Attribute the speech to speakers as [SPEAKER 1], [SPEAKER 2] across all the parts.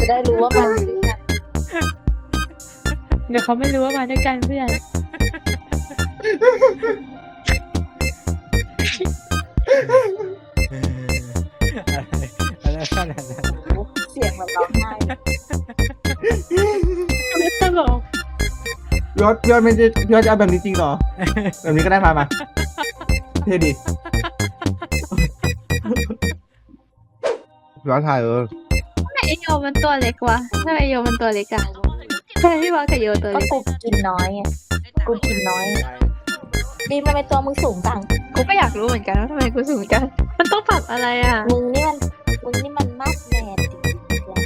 [SPEAKER 1] ได้รู้ว่ามันด้วยกัน
[SPEAKER 2] เดี๋ยวเขาไม่รู้ว่ามาด้วยกันเพื่อน
[SPEAKER 3] อะไรขนาดนั้น
[SPEAKER 1] เสียงแบบร้องไห้
[SPEAKER 2] ไม่ตลก
[SPEAKER 4] พี่ยอดไม่ได้พี่ยอดจะเอาแบบนี้จริงเหรอ แบบนี้ก็ได้มาเท่ดิพี่ยอดถ่าย
[SPEAKER 2] ไอโยมันตัวเล็กวะทำไมไอโยมันตัวเล็กอะทำไมพี่บอสกับโยตัว
[SPEAKER 1] ก็
[SPEAKER 2] เล็ก
[SPEAKER 1] กูกินน้อยไงกูกินน้อยดีทำไมตัวมึงสูงจัง
[SPEAKER 2] กูก็อยากรู้เหมือนกันว่าทำไมกูสูงจังมันต้องปรับอะไรอะ
[SPEAKER 1] มึงนี่มันมากแมนจริงๆเลย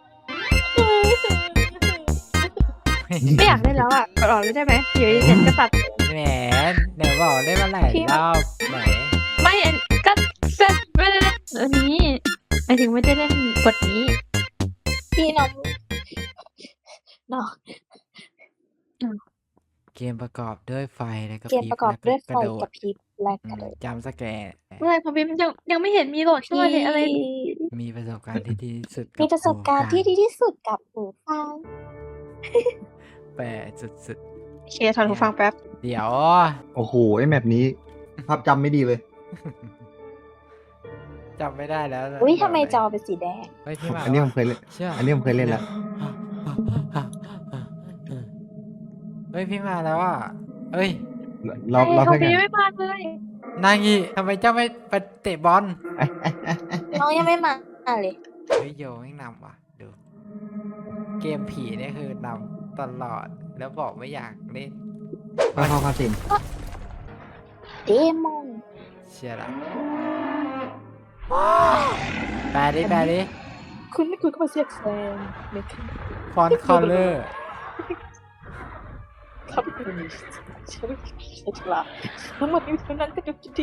[SPEAKER 2] ไม่อยากเล่นแล้วอะปรับออกเลยได้ไหมเดี๋ยวเย็นจะปรับ
[SPEAKER 3] แหมเดี๋ยวบอกได้มาหลายรอบไหน
[SPEAKER 2] ไม่ก็ไม่ได้เล่นอันนี้หมายถึงไม่ได้เล่นบทนี้
[SPEAKER 1] พี่น้องน้อง
[SPEAKER 3] เกมประกอบด้วยไฟแล้วก็
[SPEAKER 1] เกมประกอบด้วยไฟ
[SPEAKER 3] กระโด
[SPEAKER 1] ก
[SPEAKER 3] ด
[SPEAKER 1] ระพริบและกระโดด
[SPEAKER 3] จำสแกร์
[SPEAKER 2] เมื่อไหร่พอพิมพ์ยังไม่เห็นมีโหลดขึ้นมาเลยอะไร
[SPEAKER 3] มีประสบการณ์ที่ดีที่สุด
[SPEAKER 1] มีประสบการณ์ที่ดีที่สุดกับหูฟัง
[SPEAKER 3] แปลสุด
[SPEAKER 2] เคลียร์ถอนหูฟังแป๊บ
[SPEAKER 3] ๆเดี๋ยว
[SPEAKER 4] โอ้โหไอแมปนี้ ภาพจำไม่ดีเลย
[SPEAKER 3] จำไม่ได้แล้ว
[SPEAKER 1] อุ้ยทำไมจอเป็นสีแดง
[SPEAKER 3] เฮ้ยพี่หมา
[SPEAKER 4] อันนี้ผมเคยเล่น
[SPEAKER 3] เชื่อ
[SPEAKER 4] อันนี้ผมเคยเล่นแล้ว
[SPEAKER 3] เฮ้ยพี่มาแล้วอ่ะเอ้ย
[SPEAKER 4] เรา
[SPEAKER 2] พอ
[SPEAKER 4] เพื่อน
[SPEAKER 2] พิ
[SPEAKER 4] กั
[SPEAKER 2] ม
[SPEAKER 4] น
[SPEAKER 2] พ์ไม่มาเลย
[SPEAKER 3] นางงีทำไมเจ้าไม่ไปเตะบอล
[SPEAKER 1] น้องยังไม่มาเลย
[SPEAKER 3] เฮ้ยโยไม่นำว่ะดูเกมผีเนี่ยคือนำตลอดแล้วบอกไม่อยากเล่น
[SPEAKER 4] เข้าคาสิน
[SPEAKER 1] เดมอน
[SPEAKER 3] เชียร์ละแปลดิ
[SPEAKER 1] คุณไม่คุยกับมาเสียกแซงไม่ค่ะ
[SPEAKER 3] ฟอนต์คอลเลอร์
[SPEAKER 1] ครับคุณฉันฉลาดทั้งหมดนี้เท่านั้นก็จบดี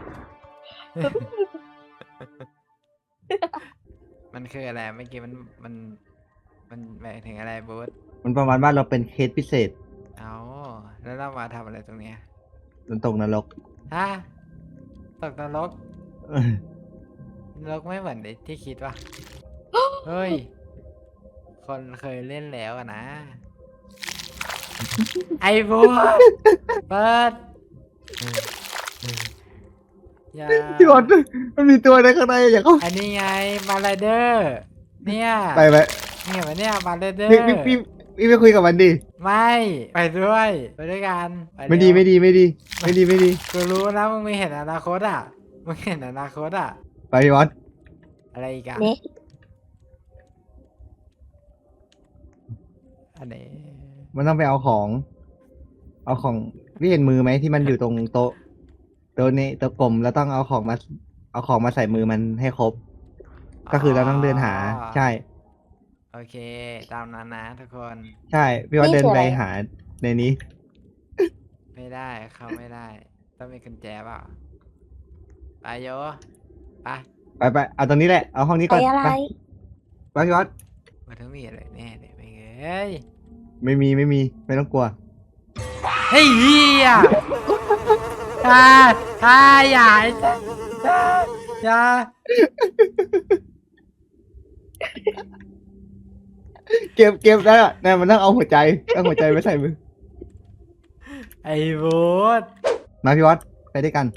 [SPEAKER 3] มันคืออะไรเมื่อกี้มันหมายถึงอะไรบูธ
[SPEAKER 4] มันประมาณว่าเราเป็นเคสพิเศษ
[SPEAKER 3] เอาแล้วเรามาทำอะไรตรงเนี้ย
[SPEAKER 4] มันตกนรก
[SPEAKER 3] ฮะตกนรกนรกไม่เหมือนที่คิดว่ะเฮ้ย คนเคยเล่นแล้วอะนะ ไอ้บูธเปิดอย่า
[SPEAKER 4] พี่บอลมันมีตัวอะไรข้างในอย่าเข้า
[SPEAKER 3] อันนี้ไงมาไรเดอร์เนี่ย
[SPEAKER 4] ไป
[SPEAKER 3] เนี่ยมันเนี่ยมาไรเดอร์
[SPEAKER 4] พี่ไปคุยกับมันดิ
[SPEAKER 3] ไม่ไปด้วยไปด้วยกันป
[SPEAKER 4] ไม่
[SPEAKER 3] เร็ว
[SPEAKER 4] ดี
[SPEAKER 3] กูรู้นะมึงไม่เห็นอนาคตอ่ะมึงเห็นอนาคตอ่ะ
[SPEAKER 4] ไปพี่บอล
[SPEAKER 3] อะไรอีกอะ
[SPEAKER 1] ๆนี่
[SPEAKER 3] อันนี้
[SPEAKER 4] มันต้องไปเอาของ พี่เห็นมือไหมที่มันอยู่ตรงโต๊ะนี้โต๊ะกลมแล้วต้องเอาของมาใส่มือมันให้ครบ ก็คือเราต้องเดินหา ใช่
[SPEAKER 3] โอเค ตามนั้นนะทุกคน
[SPEAKER 4] ใช่พี่ว่าเดินไปหาในนี้
[SPEAKER 3] ไม่ได้เข้าไม่ได้ ต้องมีกุญแจเปล่าไปโยไป
[SPEAKER 4] ไปเอาตรงนี้แหละเอาห้องนี้
[SPEAKER 1] ไป
[SPEAKER 4] ก่อน
[SPEAKER 1] อะไร
[SPEAKER 4] ไปพี่วัด
[SPEAKER 3] มันต้องมีอะไรแน่เลยไม่เอ้ย
[SPEAKER 4] ไม่มีไม่ต้องกลัว
[SPEAKER 3] เฮ้ยเฮียอย่าไอ้สัสอย่า
[SPEAKER 4] เก็บแล้วนะมันต้องเอาหัวใจไปใส่มือ
[SPEAKER 3] ไอ้บูธ
[SPEAKER 4] มาพี่วัดไปด้วยกัน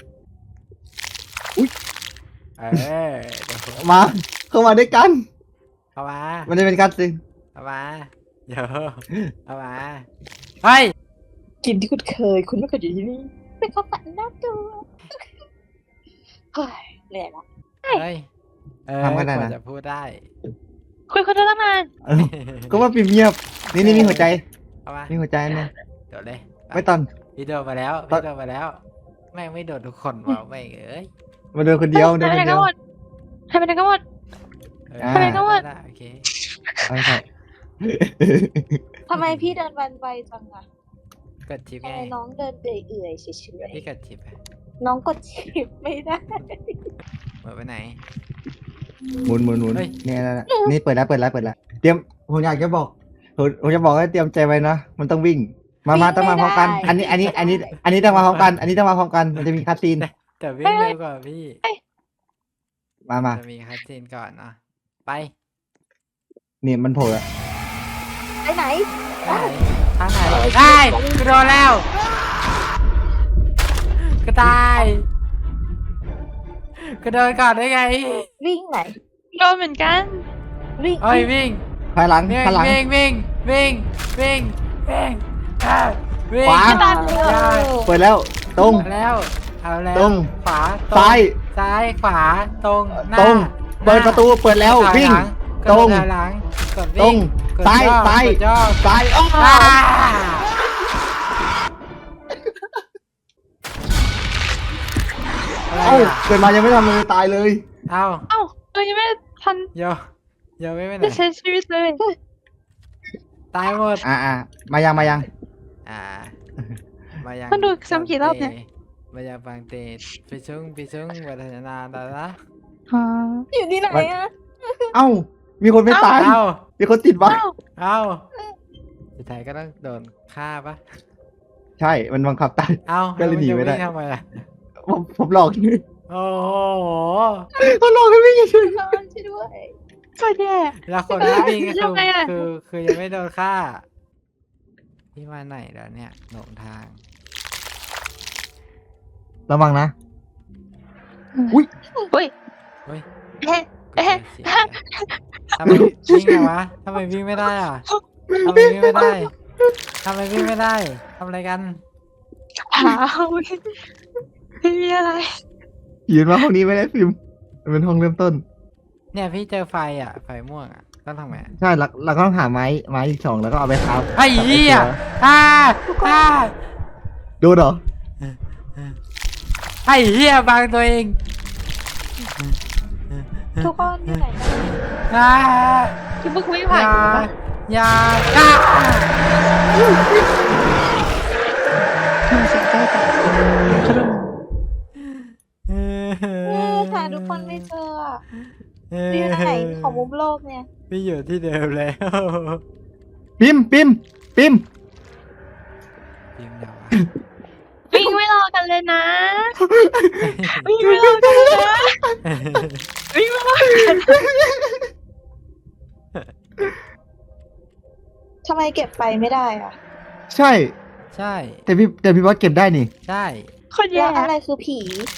[SPEAKER 3] เออเดี๋ยว
[SPEAKER 4] มาเข้ามาด้วยกัน
[SPEAKER 3] เข้ามา
[SPEAKER 4] มันจะเป็นการสิง
[SPEAKER 3] เข้ามาเดี๋ยวเข้ามาเฮ้ย
[SPEAKER 1] กินที่คุณเคย คุณไม่เคยอยู่ที่นี่ เป็นความฝันน่ากลัวเฮ้ยเหนื่อยละ
[SPEAKER 3] เฮ้ยกว่าจะพูดได้
[SPEAKER 2] คุยคนเดียวตั้งนาน
[SPEAKER 4] เออก็ว่าปิดเงียบนี่มีหัวใจ
[SPEAKER 3] เข้ามา
[SPEAKER 4] มีหัวใจเนี่ย
[SPEAKER 3] โดดเลย
[SPEAKER 4] ไม่ตอน
[SPEAKER 3] พี่โดดมาแล้วพี่โดดมาแล้ว แม่งไม่โดดทุกคนว่ะแม่งเอ้ย
[SPEAKER 4] มาเดินคนเดียว
[SPEAKER 2] ให้ไปไหนกันหมดให้ไปไหนกันหมด
[SPEAKER 4] อ่า
[SPEAKER 2] ทำไมก็ว่า
[SPEAKER 3] ได้โอเค
[SPEAKER 4] เอาใส่
[SPEAKER 1] ทำไมพี่เดินวันไวจังอะ
[SPEAKER 3] กดชิป
[SPEAKER 1] ทำ
[SPEAKER 3] ไง
[SPEAKER 1] ไมน้องเดินเอื่อยๆเฉย
[SPEAKER 3] พี่กดชิปอะ
[SPEAKER 1] ๆน้องกดชิปไม่ได้
[SPEAKER 3] หมดไปไหน
[SPEAKER 4] หมุน
[SPEAKER 3] เฮ้ย
[SPEAKER 4] เนี่ยนั่นน่ะนี่เปิดแล้วเตรียมผมอยากจะบอกผมจะบอกให้เตรียมใจไว้นะมันต้องวิ่งมาต้องมาพร้อมกัน อันนี้ต้องมาพร้อมกัน มันจะมีคาซีน
[SPEAKER 3] แต่วิ่งเร็วกว่าพี่
[SPEAKER 4] มา
[SPEAKER 3] จะมีคัสซีนก่อนนะไป
[SPEAKER 4] เนี่ยมันโผล่อะ
[SPEAKER 1] ไปไหน
[SPEAKER 3] ทางไหนได้กูโดนแล้วก็ตายก็โดนก่อนได้ไง
[SPEAKER 1] วิ่งไหน
[SPEAKER 2] โดนเหมือนกัน
[SPEAKER 1] วิ่ง
[SPEAKER 3] เอ้ยวิ่ง
[SPEAKER 4] ภายหลัง
[SPEAKER 3] วิ่ง
[SPEAKER 4] ภายหลัง
[SPEAKER 3] วิ่งวิ่งวิ่งวิ่งวิ่งวิ่ง
[SPEAKER 4] ขวา
[SPEAKER 1] ตันเลย
[SPEAKER 4] เปิดแล้วตรง
[SPEAKER 3] เอาแล้วเอาแล้ว
[SPEAKER 4] ตรง
[SPEAKER 3] ขวา
[SPEAKER 4] ซ้าย
[SPEAKER 3] ซ้ายขวาตรงหน้า
[SPEAKER 4] ตรงเปิดประตูเปิดแล้ว
[SPEAKER 3] ถอย
[SPEAKER 4] วิ่ง
[SPEAKER 3] หลั
[SPEAKER 4] ตรง
[SPEAKER 3] กดถอยหลังกด
[SPEAKER 4] ตร
[SPEAKER 3] วิ่
[SPEAKER 4] ง
[SPEAKER 3] กด
[SPEAKER 4] ซ้าย
[SPEAKER 3] ย่อ
[SPEAKER 4] ซ้าย
[SPEAKER 3] กดย่อ
[SPEAKER 4] ซ้ายอ้อ
[SPEAKER 3] อ่าอะไร
[SPEAKER 4] เอ้า
[SPEAKER 3] อ่ะ
[SPEAKER 4] เกิดมายังไม่ทำอะไรตายเลย
[SPEAKER 3] เอ้า
[SPEAKER 2] เอ้าเรายังไม่ทัน
[SPEAKER 3] โยโยไม่ไปไหน
[SPEAKER 2] จะใช้ชีวิตเลย
[SPEAKER 3] ตายหมด
[SPEAKER 4] มายัง
[SPEAKER 3] มายัง
[SPEAKER 2] มันดูซ้ำกี่รอบเนี่ย
[SPEAKER 3] มายังฟังเตะไปชุ่งวัฒนาดาละ
[SPEAKER 2] อ๋อ
[SPEAKER 1] อยู่ที่ไหนอะ
[SPEAKER 4] เอ้ามีคนไม่ตาย
[SPEAKER 3] เอ้า
[SPEAKER 4] มีคนติดไว้
[SPEAKER 2] เอ้า
[SPEAKER 3] เอ้าสุดท้ายก็ต้องโดนฆ่าปะ
[SPEAKER 4] ใช่มันบังคับตาย
[SPEAKER 3] เอ้า
[SPEAKER 4] ก็เลยหนีไม่ได้
[SPEAKER 3] แวงทำไมล่ะ
[SPEAKER 4] ผมหลอกนี่
[SPEAKER 3] โอ้โห
[SPEAKER 4] เขาหลอกให้วิ่งเฉย
[SPEAKER 1] ช่วยด้วย
[SPEAKER 2] ก็แย่
[SPEAKER 3] แล้วคนที่วิ่งก็
[SPEAKER 2] ทำไงอะ
[SPEAKER 3] คือยังไม่โดนฆ่าที่มาไหนแล้วเนี่ยหลงทาง
[SPEAKER 4] ระวังนะ
[SPEAKER 2] อุ้ย
[SPEAKER 3] เฮ้ย
[SPEAKER 2] เอ๊ะ เอ๊ะ
[SPEAKER 3] เสียทำไมวิ่งไงวะทำไมวิ่งไม่ได้อ่ะทำไมวิ่งไม่ได้ทำไมวิ่งไม่ได้ทำอะไรกัน
[SPEAKER 2] เปล่าไม่มีอะไร
[SPEAKER 4] ยืนมาห้องนี้ไม่ได้ฟิล์มมันเป็นห้องเริ่มต้น
[SPEAKER 3] เนี่ยพี่เจอไฟอ่ะไฟม่วงอ่ะต้องทำไงอะ
[SPEAKER 4] ใช่เราก็ต้องหาไม้อีก2แล้วก็เอาไปครับ
[SPEAKER 3] ไอ้เหี้ยอ่าอ่า
[SPEAKER 4] ดูเหรอ
[SPEAKER 3] ไอ้เหี้ยบังตัวเอง
[SPEAKER 1] ทุกคนอยู่ไหนกัน
[SPEAKER 3] อ่า
[SPEAKER 2] คือเพิ่งวิ่ง
[SPEAKER 3] อ
[SPEAKER 2] ผ่าน
[SPEAKER 3] ย่า
[SPEAKER 2] อยู่ปะ
[SPEAKER 3] อย่าอ่า
[SPEAKER 2] ทำไมเสียงใกล้กันขนม
[SPEAKER 1] หาทุกคนไม่เจออะอยู่ไหนของมุมโลกเนี่ย
[SPEAKER 3] พี่อยู่ที่เดิมแล้ว
[SPEAKER 4] ปิม
[SPEAKER 3] พิมพ์เดี๋ยวอะ
[SPEAKER 2] วิ่งไม่รอกันเลยนะ วิ่งไม่รอกันเลยนะวิ่งไม่รอกัน
[SPEAKER 1] ทำไมเก็บไฟไม่ได้อะ
[SPEAKER 4] ใช่
[SPEAKER 3] ใช่
[SPEAKER 4] แต่พี่บอสเก็บได้นี่
[SPEAKER 3] ใช่
[SPEAKER 2] คน
[SPEAKER 1] แล้
[SPEAKER 2] แย่
[SPEAKER 1] วอะไรคือผี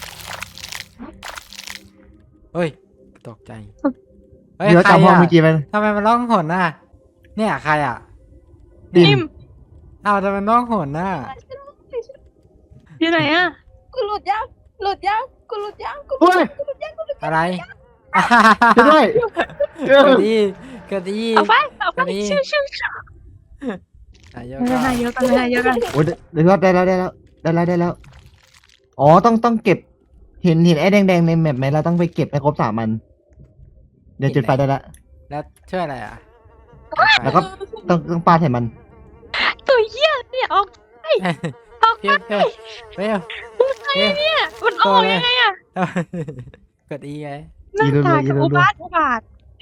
[SPEAKER 3] เฮ้ยตกใจเฮ้ย
[SPEAKER 4] เดี๋ยว
[SPEAKER 3] ใคร
[SPEAKER 4] จำห้อง
[SPEAKER 3] อ่ะ
[SPEAKER 4] เมื่อกี้ไป
[SPEAKER 3] ทำไมมันร้องหนน่ะ เนี่ยใครอ่ะ
[SPEAKER 2] นิ่ม
[SPEAKER 3] อ้าวทำไมมันร้องหนน่ะ
[SPEAKER 2] อยู่ไหนอ่ะ
[SPEAKER 1] กูหลุดยังหลุดยังกูหลุดยังกูหลุ
[SPEAKER 4] เฮ้
[SPEAKER 1] ด
[SPEAKER 4] ย
[SPEAKER 3] อะไร
[SPEAKER 4] ช่วยด้วยเออ
[SPEAKER 3] กระดีกระดี
[SPEAKER 2] เอาไปเอาไป
[SPEAKER 3] อันนี้
[SPEAKER 2] ชิวชิว
[SPEAKER 3] นายก
[SPEAKER 2] ไม่ได้เยอะกันไม่ได้เยอะกัน
[SPEAKER 4] โอ้ยเดี๋ยวได้แล้วอ๋อต้องเก็บเห็นไอ้แดงๆในแมปไหมเราต้องไปเก็บให้ครบ3 อันเดี๋ยวจุดไฟได้ละ
[SPEAKER 3] แล้วช่วยอะไรอ่ะ
[SPEAKER 4] แล้วก็ต้องปาใส่มัน
[SPEAKER 2] ตัวเหี้ยเนี่ยออกออก
[SPEAKER 3] เพี้ยวเพี้ยวเพี้ยวเพี้ยว
[SPEAKER 2] เนี่ยมันออกยังไงอ่ะ
[SPEAKER 3] กดอีไง
[SPEAKER 2] หน้าตากับอุบาทอุบาท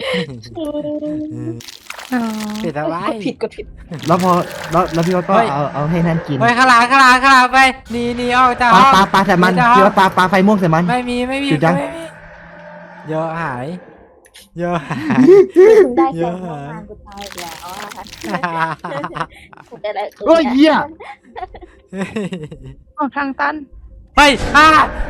[SPEAKER 2] อ๋อ
[SPEAKER 3] ปิดเอาไว้
[SPEAKER 1] กดผิด
[SPEAKER 4] แล้วพอแล้วพี่บอสก็
[SPEAKER 3] เฮ้ย
[SPEAKER 4] เอาให้นั่นกิน
[SPEAKER 3] เฮ้ยข้างหลังไปหนีออกจากห้อง
[SPEAKER 4] ปาใส่มัน
[SPEAKER 3] หจากห้อง
[SPEAKER 4] พี่บอสปาไฟม่วงใส่มัน
[SPEAKER 3] ไม่มี
[SPEAKER 4] หยุดยัง
[SPEAKER 3] ไม่มีเยอะหายเยอะหาย
[SPEAKER 1] มึงได้
[SPEAKER 3] เย
[SPEAKER 1] แค่
[SPEAKER 3] อะ
[SPEAKER 1] เมื่อวานกูตายอีกแล้วอะกูได้แล้ว
[SPEAKER 4] โอ้ยเหี้ย
[SPEAKER 2] ออกทางตัน
[SPEAKER 3] เฮ้ยอ่า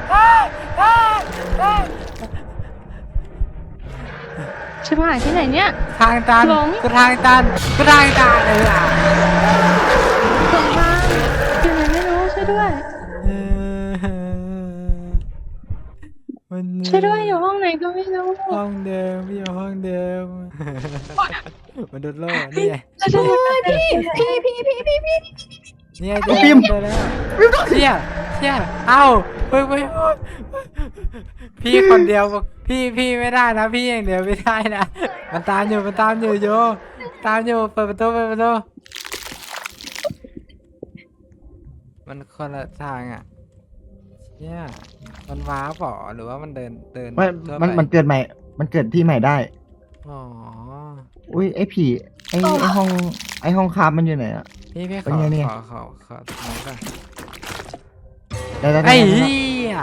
[SPEAKER 2] ชิบหายที่ไหนเนี่ย
[SPEAKER 3] ทางตัน
[SPEAKER 2] หลง
[SPEAKER 3] กูทางตันเลยอ่ะ
[SPEAKER 2] ตรงทางอยู่ไหนไม่รู้ช่วยด้วย
[SPEAKER 3] มัน
[SPEAKER 2] ช่วยด้วยอยู่ห้องไหนก็ไม่รู้
[SPEAKER 3] ห้องเดิมพี่อยู่ห้องเดิมมันโดนโล่นี่ไง
[SPEAKER 2] ช่วยด้วย
[SPEAKER 1] พี่
[SPEAKER 3] เนี่ยเจอแล้วเนี่ยเอ้าไปพี่คนเดียวพี่ไม่ได้นะพี่อย่างเดียวไม่ได้นะมันตามอยู่โยตามอยู่เปิดประตูมันคนละทางอ่ะเนี่ยมันว้าป่อหรือว่ามันเดิน
[SPEAKER 4] ไม่
[SPEAKER 3] ทั่ว
[SPEAKER 4] มัน
[SPEAKER 3] ไป
[SPEAKER 4] มันเกิดใหม่ มันเกิดที่ใหม่ได้
[SPEAKER 3] อ๋อ
[SPEAKER 4] อุ้ยไอ้ผีไอ้ห้องคาบมันอยู่ไหนอะ
[SPEAKER 3] พี่
[SPEAKER 4] เป็นไงเนี่ย
[SPEAKER 3] ขอตรงนี้ก่อน
[SPEAKER 4] ได้
[SPEAKER 3] ไอ้เหี้ย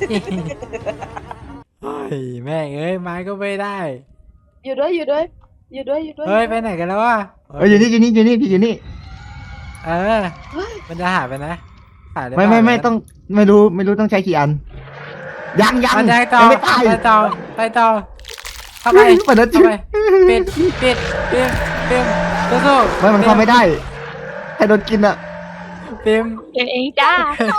[SPEAKER 3] เฮ้ยแม่งเอ้ยไม้ก็ไม่ได้
[SPEAKER 1] อยู่ด้วยอยู่ด้วยอยู่ด้วย
[SPEAKER 3] เฮ้ยไปไหนกันแล้ววะ
[SPEAKER 4] อยู่นี่อยู่นี่อยู่นี่พี่อยู่นี่
[SPEAKER 3] เออ มันจะหายไปนะหายได้
[SPEAKER 4] ไม่
[SPEAKER 3] เปล่า
[SPEAKER 4] ไม่ต้องไม่รู้ต้องใช้กี่อันยัง
[SPEAKER 3] มันได้ต่อ
[SPEAKER 4] ยังไม่ตาย
[SPEAKER 3] ไปต่อไปต่อเข้าไป
[SPEAKER 4] เปิดแล้ว
[SPEAKER 3] เข้า
[SPEAKER 4] จิ้ม
[SPEAKER 3] ไปปิดปิมสู้ๆ
[SPEAKER 4] ไม่มันเข้าไม่ได้ให้โดนกินอ่ะ
[SPEAKER 3] ปิม
[SPEAKER 2] เองเองจ้า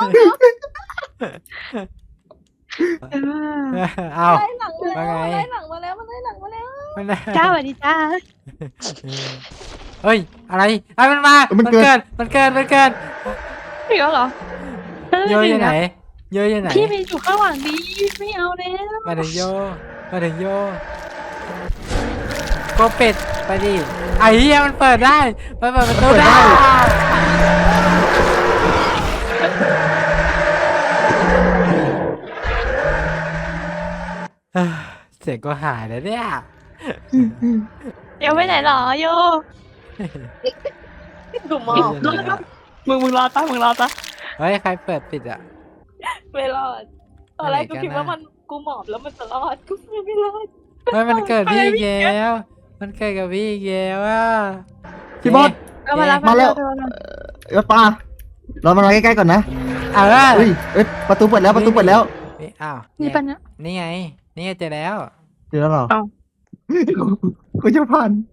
[SPEAKER 3] เอา
[SPEAKER 1] ไล่หลังมาแล้ว
[SPEAKER 3] ว่าไง
[SPEAKER 1] ไล่หลังมาแล้วมันไล่หลังมาแล้ว
[SPEAKER 3] มันได้
[SPEAKER 2] จ้าสวัสดีจ้า
[SPEAKER 3] เฮ้ยอะไรไอ้มันมา
[SPEAKER 4] มันเกิด
[SPEAKER 3] มันเกิด
[SPEAKER 2] พี่ก็เหรอ
[SPEAKER 3] โยอยู่ไหนโยอยู่ไหน
[SPEAKER 2] พี่ไปอยู่ข้างหลังดีไม่เอาแล้ว
[SPEAKER 3] มาถึงโยโกเป็ดไปดิไอ้เหี้ยมันเปิดได้มันเปิดประตูได้ เสียงก็หายแล้วเนี่ย
[SPEAKER 2] เดี๋ยวไปไหนหรอโย
[SPEAKER 1] กูหมอบ
[SPEAKER 2] มึงรอตามึงรอตา
[SPEAKER 3] เฮ้ยใครเปิดปิดอ่ะ
[SPEAKER 1] ไม่รอดตอนแรก
[SPEAKER 3] อะไรกัน
[SPEAKER 1] กูคิดว่า
[SPEAKER 3] นะ
[SPEAKER 1] มันกูหมอบแล้วมันจะรอดกูไม่รอด
[SPEAKER 3] เฮ้ยมันเกิดพี่อีกแล้วมันเกิดกับพี่อีกแล้วอ่ะ
[SPEAKER 4] พี่บอส
[SPEAKER 2] ก็มารับ
[SPEAKER 4] มาแล้ว ปลาเรามาใกล้ๆก่อนนะ
[SPEAKER 3] เออ
[SPEAKER 4] อุ้ยประตูเปิดแล้วประตูเปิดแล้ว
[SPEAKER 3] นี่อ้าว
[SPEAKER 2] นี่ปะเนี่ย
[SPEAKER 3] นี่ไงนี่ไงเจอแล้ว
[SPEAKER 4] เจอแล้วเหรอ
[SPEAKER 2] เอ้า
[SPEAKER 4] กูจะผ่าน